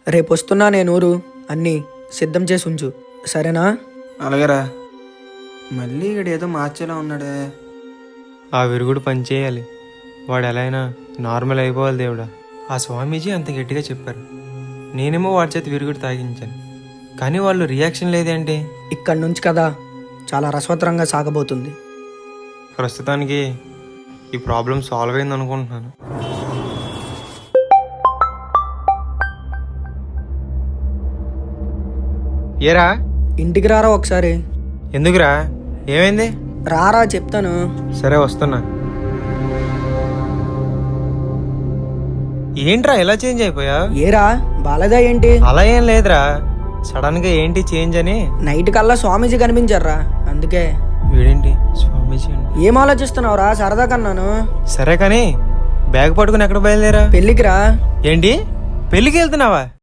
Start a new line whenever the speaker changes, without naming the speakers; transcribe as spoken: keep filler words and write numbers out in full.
రేపు వస్తున్నా నేను ఊరు అన్నీ సిద్ధం చేసి ఉంచు, సరేనా?
అలాగేరా. మళ్ళీ ఇక్కడ ఏదో మార్చేలా ఉన్నాడే.
ఆ విరుగుడు పనిచేయాలి, వాడు ఎలా అయినా నార్మల్ అయిపోవాలి దేవుడా. ఆ స్వామీజీ అంత గట్టిగా చెప్పారు, నేనేమో వాడి చేతి విరుగుడు తాగించాను, కానీ వాళ్ళు రియాక్షన్ లేదేంటి?
ఇక్కడి నుంచి కదా చాలా రసవత్తరంగా సాగబోతుంది.
ప్రస్తుతానికి ఈ ప్రాబ్లం సాల్వ్ అయింది అనుకుంటున్నాను. ఏరా,
ఇంటికి రారా ఒకసారి.
ఎందుకురా, ఏమైంది?
రారా చెప్తాను.
సరే వస్తున్నా. ఏంట్రా ఇలా చేంజ్ అయిపోయా?
ఏరా బాలేదా ఏంటి?
అలా ఏం లేదురా, సడన్ గా ఏంటి చేంజ్ అని.
నైట్ కల్లా స్వామీజీ కనిపించారా, అందుకే.
వీడేంటి స్వామీజీ అండి?
ఏం ఆలోచిస్తున్నావురా? సరదా కన్నాను.
సరే కానీ బ్యాగ్ పట్టుకుని ఎక్కడ బయలుదేరా?
పెళ్ళికి రా.
ఏంటి పెళ్ళికి వెళ్తున్నావా?